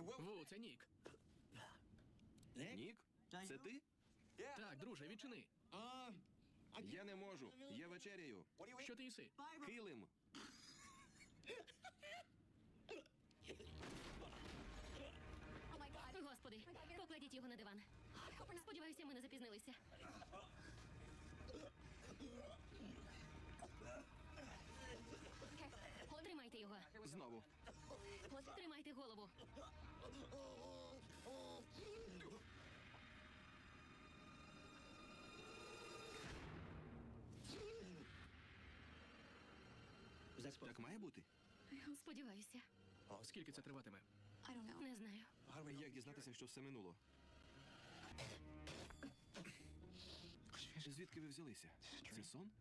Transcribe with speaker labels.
Speaker 1: Ву, це Нік.
Speaker 2: Нік? Це ти?
Speaker 1: Так, друже, відчини.
Speaker 2: Я не можу. Я вечеряю.
Speaker 1: Що ти їси?
Speaker 2: Килим.
Speaker 3: Господи, покладіть його на диван. Сподіваюся, ми не запізнилися. Тримайте його.
Speaker 2: Знову.
Speaker 3: Тримайте голову.
Speaker 2: Так має бути?
Speaker 3: Сподіваюся.
Speaker 1: Скільки це триватиме?
Speaker 3: Не знаю.
Speaker 2: Як дізнатися, що все минуло? Звідки ви взялися? Це сон?